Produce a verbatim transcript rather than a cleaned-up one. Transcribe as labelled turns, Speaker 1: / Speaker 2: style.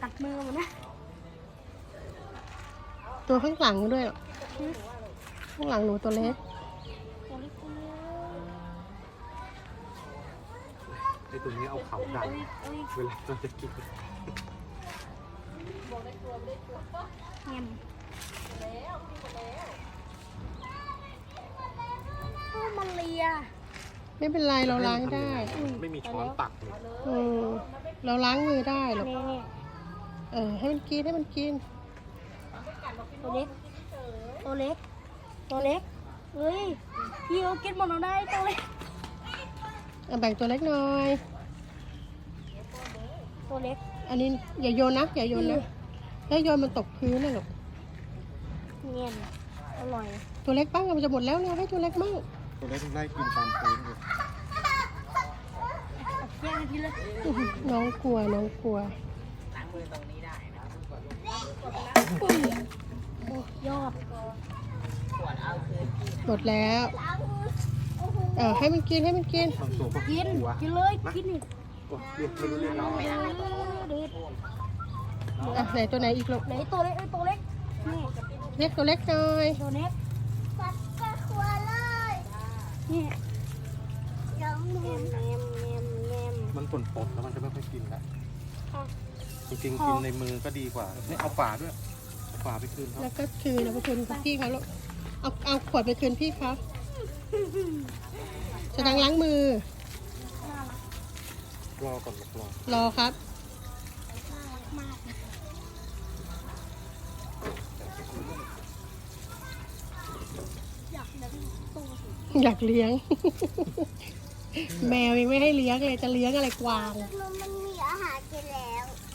Speaker 1: กัดมือมันนะ
Speaker 2: ตัวข้างหลังด้วยหรอข้างหลังหนูตัวเล็ก
Speaker 1: ตัวเล็กตัวเล็ก
Speaker 3: ไอตัวนี้เอาเขาดัน
Speaker 1: เอ้ยเอ้ย
Speaker 3: เวลาเราจะกิน
Speaker 1: เงียบโอ้มันเลีย
Speaker 2: ไม่เป็นไรเราล้างได้
Speaker 3: ไม่มีช้อนตักเลย
Speaker 2: อืมเราล้างมือได้หรอก
Speaker 1: นี่นี่
Speaker 2: เออให้มันกินให้มันกิน
Speaker 1: ตัวเล็ก ตัวเล็ก ตัวเล็กเฮ้ยพี่เขากินหมดเราได้ตัวเล็ก
Speaker 2: เอาแบ่งตัวเล็กหน่อย
Speaker 1: ตัวเล็ก
Speaker 2: อันนี้อย่าโยนนะอย่าโยนนะถ้าโยนมันตกพื้นนะหรอก
Speaker 1: เงียบอร่อย
Speaker 2: ตัวเล็กบ้างมันจะหมดแล้วเราให้ตัวเล็กบ้าง
Speaker 3: ตัวเล็กไล่กินตามพื้นเลย
Speaker 1: แย่งกันทีเลย
Speaker 2: อื้อหือน้องกลัวน้องกลัว
Speaker 1: อุ้ยโอ้ยอด
Speaker 2: หมดแล้วเออให้มันกินให้มันกิน
Speaker 3: บางตัวก็
Speaker 1: กิน
Speaker 3: หัว
Speaker 1: กินเลยกินนี่
Speaker 3: โอ้เรียกไม่รู้เรื่องแล้ว
Speaker 1: เด็ด
Speaker 2: อ่ะไหนตัวไหนอีกลูก
Speaker 1: ไหนตัวเล็กเอ้ยตัวเล็กนี่
Speaker 2: เรียกตัวเล็กหน่อย
Speaker 1: ตัวเล็กปัดกระครัวเลยนี่ยังเงียบเงียบเงียบเงียบ
Speaker 3: มันปนปนแล้วมันจะไม่ค่อยกินแล้ว
Speaker 1: ค่ะ
Speaker 3: จริงๆกินในมือก็ดีกว่านี่เอาฝาด้วยเอาฝาไปคืนเขา
Speaker 2: แล้วก็คืนเอาไปคืนพี่เขาลูกเอาเอาขวดไปคืนพี่เขาจะดังล้างมือ
Speaker 3: รอก่อนรอ
Speaker 2: รอครับ
Speaker 1: มากอยากเลี้ยงตัวสิ
Speaker 2: อยากเลี้ยง แมวยังไม่ให้เลี้ยงเลยจะเลี้ยงอะไรกวาง
Speaker 1: มันมีอาหารกินแล้ว